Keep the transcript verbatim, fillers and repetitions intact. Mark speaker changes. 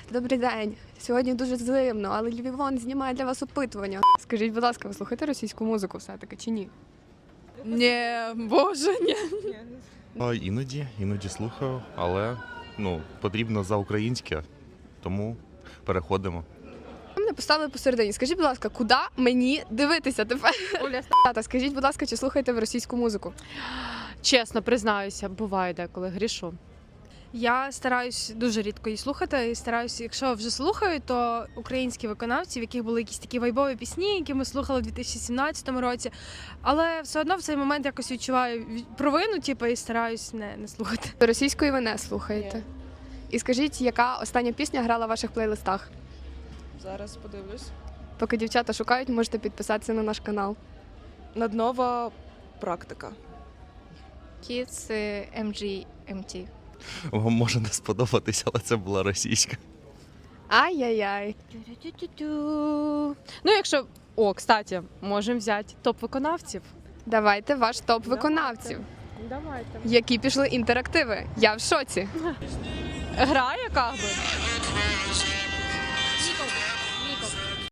Speaker 1: Добрий день. Сьогодні дуже зимно, але Львівон знімає для вас опитування. Скажіть, будь ласка, ви слухаєте російську музику все-таки чи ні?
Speaker 2: Ні, боже, ні.
Speaker 3: А, Іноді, іноді слухаю, але ну, потрібно за українське, тому переходимо.
Speaker 1: Ви мене поставили посередині. Скажіть, будь ласка, куди мені дивитися тепер?
Speaker 2: Оля,
Speaker 1: Тата, скажіть, будь ласка, чи слухаєте ви російську музику?
Speaker 2: чесно признаюся, буває деколи грішу.
Speaker 4: Я стараюсь дуже рідко її слухати. І стараюсь, якщо вже слухаю, то українські виконавці, в яких були якісь такі вайбові пісні, які ми слухали у дві тисячі сімнадцятому році. Але все одно в цей момент якось відчуваю провину, типу, і стараюсь не, не слухати.
Speaker 1: Російської ви не слухаєте. І скажіть, яка остання пісня грала в ваших плейлистах?
Speaker 5: Зараз подивлюсь.
Speaker 1: Поки дівчата шукають, можете підписатися на наш канал.
Speaker 5: Наднова практика.
Speaker 6: Kids ем джі ем ті.
Speaker 3: Вам може не сподобатися, але це була російська.
Speaker 1: Ай-яй-яй.
Speaker 2: Ну, якщо. О, кстати, можемо взяти топ виконавців.
Speaker 1: Давайте ваш топ виконавців,
Speaker 2: Давайте.
Speaker 1: які пішли інтерактиви. Я в шоці.
Speaker 2: Гра яка би?